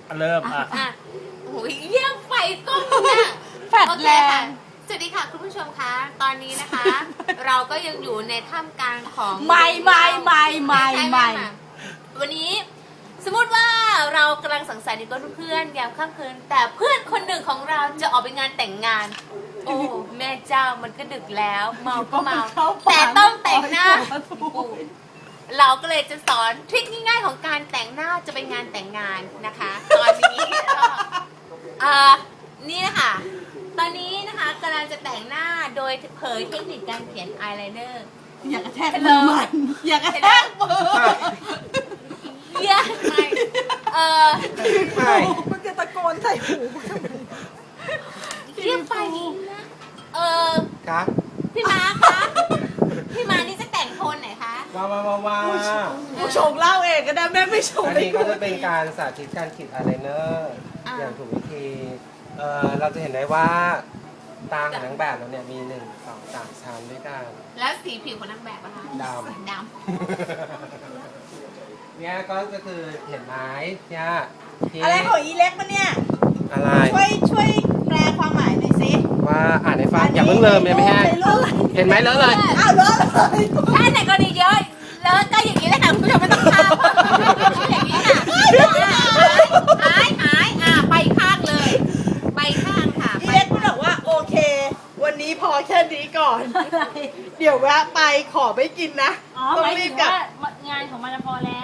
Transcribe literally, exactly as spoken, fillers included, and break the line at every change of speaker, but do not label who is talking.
เริ่มอ่ะ
อ่ะโอ้ยเยี่ยมไฟกล้องเนี่ย
แฟลช
โอเค
แร
ค่ะ
ง
สวัสดีค่ะคุณผู้ชมคะ ตอนนี้นะคะ เราก็ยังอยู่ในท่ามกลางของ
ไม่ไม่ไม่ไม่
ใช่
ไม่
ค่ะวันนี้สมมติว่าเรากำลังสังสรรค์กับเพื่อนยามค่ำคืน แต่เพื่อนคนหนึ่งของเราจะออกไปงานแต่งงาน โอ้แม่เจ้ามันก็ดึกแล้วเมาก็เมาแต่ต้องแต่งหน้า เราก็เลยจะสอนทริคง่ายๆของการแต่งหน้าจะเป็นงานแต่งงานนะคะ ตอนนี้ก็เอ่อนี่นะคะตอนนี้นะคะกำลังจะแต่งหน้าโดยเผยเทคนิคการเขียนอายไลเนอร์
อย่ากระแทกมือมันอย่ากระแทกมือ
เยอะไปเออ
ใช่
มันจะตะโกนใส่หู
เรียกไปนะเออ
ครับ
พี่ม้าคะพี่ม้านี่จะแต่งโทนไหนคะ
ว้าวว้าวว้าวว้าว
ผู้ชงเล่าเองก็ได้แม่ไม่ชง
อัน
เลย
นี้ก็จะเป็นการสาธิตการขีดอายไลเนอร์อย่างถูกวิธีเอ่อเราจะเห็นได้ว่าตาของนางแบบเราเนี่ยมีหนึ่งสองสามชั้นด้วยกัน
แล้วสีผิวของนางแบบอะคะ
ดำ
ด
เนี่ยก็จะคือเห็นไหมเนี่ยที่
อะไรของอีเล็กมันเนี่ย
อะไร
ช่วยช่วยแปลความหมายหน่อยสิ
ว่าอ่านให้ฟังอย่าเพิ่งเริ่มเลยไม่ให้
ในรูป
เห็นไหมเลอะเลย
อ้าวเลอะเลย
ำถ้าไหนกรณีเยอะแล้วก็อย่างนี้เลยค่ะคุณผู้ชมไม่ต้องทำอย่างนี้ค่ะหายหายอ่ะไปข้างเลย ไปข้างค่ะ
อีเล็กมันบอกว่าโอเค วันนี้พอแค่นี้ก่อน เดี๋ยวแวะไปขอไม่กินนะ
อ๋อ
ต้
ห
อ
มาง ย
รี
ถึ
บ
ง
กลับ
ว่างานของมันพอแล้ว